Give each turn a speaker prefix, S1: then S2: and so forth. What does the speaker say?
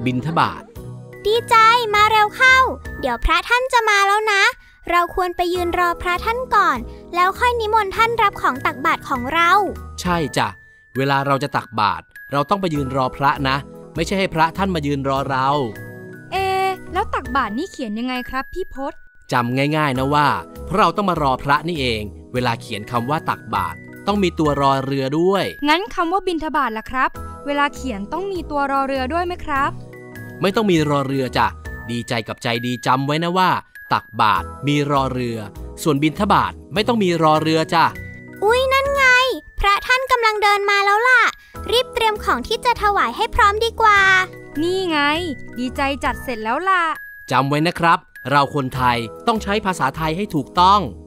S1: บิณฑบาต
S2: ดีใจมาเร็วเข้าเดี๋ยวพระท่านจะมาแล้วนะเราควรไปยืนรอพระท่านก่อนแล้วค่อยนิมนต์ท่านรับของตักบาตรของเรา
S1: ใช่จ้ะเวลาเราจะตักบาตรเราต้องไปยืนรอพระนะไม่ใช่ให้พระท่านมายืนรอเรา
S3: แล้วตักบาตรนี่เขียนยังไงครับพี่พศ
S1: จำง่ายๆนะว่าเพราะเราต้องมารอพระนี่เองเวลาเขียนคำว่าตักบาตรต้องมีตัวรอเรือด้วย
S3: งั้นคำว่าบิณฑบาตล่ะครับเวลาเขียนต้องมีตัวรอเรือด้วยไหมครับ
S1: ไม่ต้องมีรอเรือจ้ะดีใจกับใจดีจำไว้นะว่าตักบาตรมีรอเรือส่วนบิณฑบาตไม่ต้องมีรอเรือจ้ะ
S2: อุ๊ยนั่นไงพระท่านกำลังเดินมาแล้วล่ะรีบเตรียมของที่จะถวายให้พร้อมดีกว่า
S3: นี่ไงดีใจจัดเสร็จแล้วล่ะ
S1: จำไว้นะครับเราคนไทยต้องใช้ภาษาไทยให้ถูกต้อง